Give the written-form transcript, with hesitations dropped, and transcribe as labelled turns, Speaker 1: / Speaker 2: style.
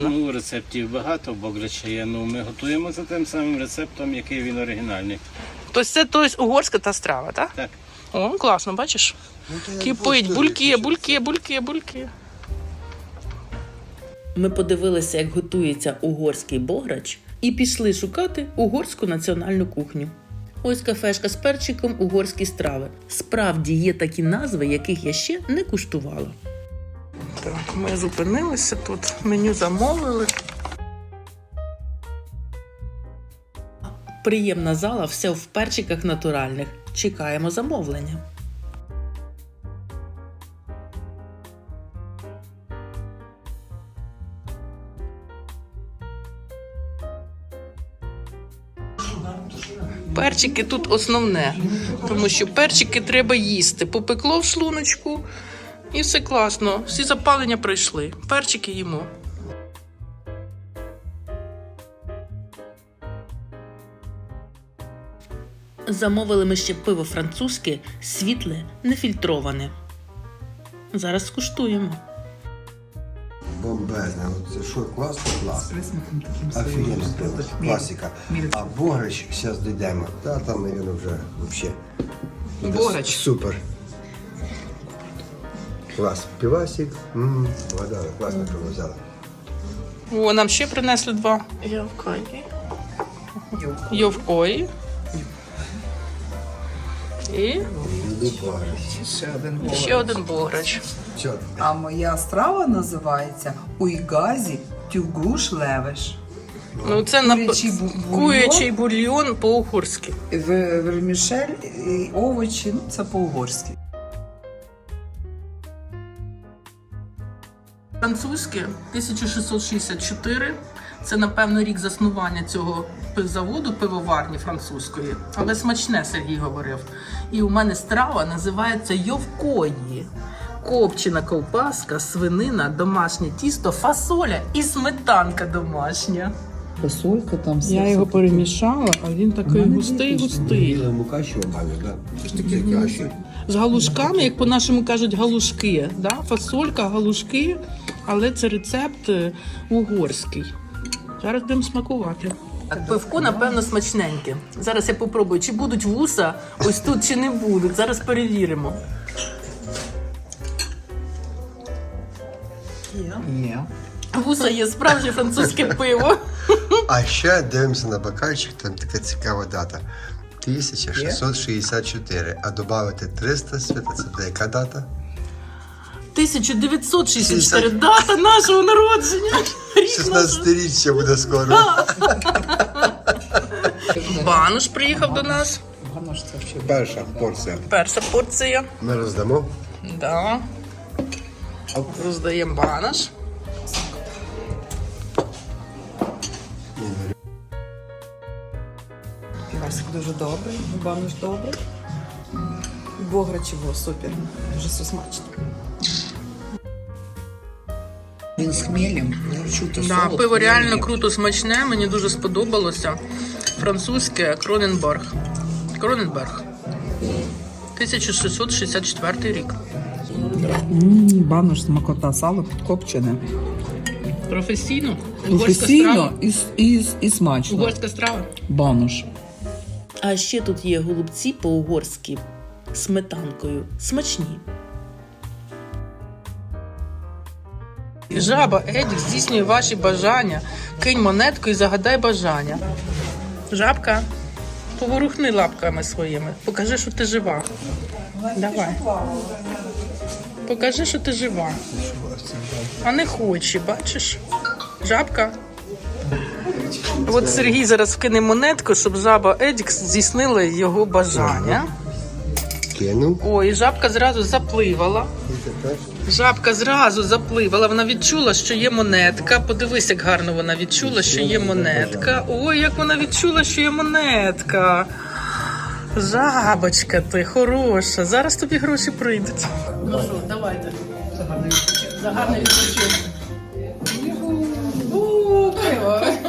Speaker 1: Ну, рецептів багато, бограча є. Ну, ми готуємо за тим самим рецептом, який він оригінальний.
Speaker 2: Тобто це угорська та страва, так?
Speaker 1: Так.
Speaker 2: О, класно, бачиш? Кипить, бульки. Ми подивилися, як готується угорський бограч, і пішли шукати угорську національну кухню. Ось кафешка з перчиком, угорські страви. Справді є такі назви, яких я ще не куштувала. Так, ми зупинилися тут, меню замовили. Приємна зала, все в перчиках натуральних. Чекаємо замовлення. Перчики тут основне, тому що перчики треба їсти. Попекло в шлуночку і все класно. Всі запалення пройшли. Перчики їмо. Замовили ми ще пиво французьке, світле, нефільтроване. Зараз скуштуємо.
Speaker 3: Бомбезне. Це що, класно? Офігенно пиво. Класика. А бограч, зараз дійдемо. Та там, мабуть, вже взагалі.
Speaker 2: Бограч.
Speaker 3: Супер. Клас. Півасик. Вода, класно пиво взяла.
Speaker 2: О, нам ще принесли два. Йовкої. І ще один бограч.
Speaker 4: А моя страва називається уйгазі тюгуш левеш.
Speaker 2: Ну, це курячий бульйон по-угорськи.
Speaker 4: Вермішель і овочі, ну це по-угорськи.
Speaker 2: Французьке 1664. Це, напевно, рік заснування цього заводу, пивоварні французької. Але смачне, Сергій говорив. І у мене страва називається йовкої. Копчена ковбаска, свинина, домашнє тісто, фасоля і сметанка домашня.
Speaker 4: Фасолька там все.
Speaker 2: Я його перемішала, а він такий густий.
Speaker 3: Мука що обманю, так?
Speaker 2: З галушками, як по-нашому кажуть, галушки. Да? Фасолька, галушки, але це рецепт угорський. Зараз будемо смакувати. Пивко, напевно, смачненьке. Зараз я попробую, чи будуть вуса ось тут, чи не будуть. Зараз перевіримо.
Speaker 4: Є.
Speaker 2: Вуса є справжнє французьке пиво.
Speaker 3: А ще дивимося на бокальчик, там така цікава дата. 1664. А додати 300 свята, це буде яка дата?
Speaker 2: 1964, дата нашого народження.
Speaker 3: 16-річчя буде скоро.
Speaker 2: Бануш приїхав до нас.
Speaker 3: Перша порція.
Speaker 2: Перша порція.
Speaker 3: Ми роздамо.
Speaker 2: Да. Роздаємо банош.
Speaker 4: Півасик дуже добрий, банош добрий. Бограчево супер, дуже все смачно. Він з хмелем, чути
Speaker 2: Да, пиво реально круто смачне, мені дуже сподобалося. Французьке Кроненберг. 1664 рік.
Speaker 4: Банош смакота, сало підкопчене.
Speaker 2: Професійно.
Speaker 4: Професійно і смачно.
Speaker 2: Угорська страва.
Speaker 4: Банош.
Speaker 2: А ще тут є голубці по-угорськи сметанкою. Смачні. Жаба Едік здійснює ваші бажання. Кинь монетку і загадай бажання. Жабка, поворухни лапками своїми. Покажи, що ти жива. Давай. Покажи, що ти жива. А не хоче, бачиш? Жабка. От Сергій зараз вкине монетку, щоб жаба Едік здійснила його бажання.
Speaker 3: Кинув.
Speaker 2: Ой, і жабка зразу запливала. Жабка зразу запливала. Вона відчула, що є монетка. Подивись, як гарно вона відчула, що є монетка. Ой, як вона відчула, що є монетка. Жабочка ти, хороша. Зараз тобі гроші прийдуть. Ну що, давайте. За гарний відпочинок. Пиво.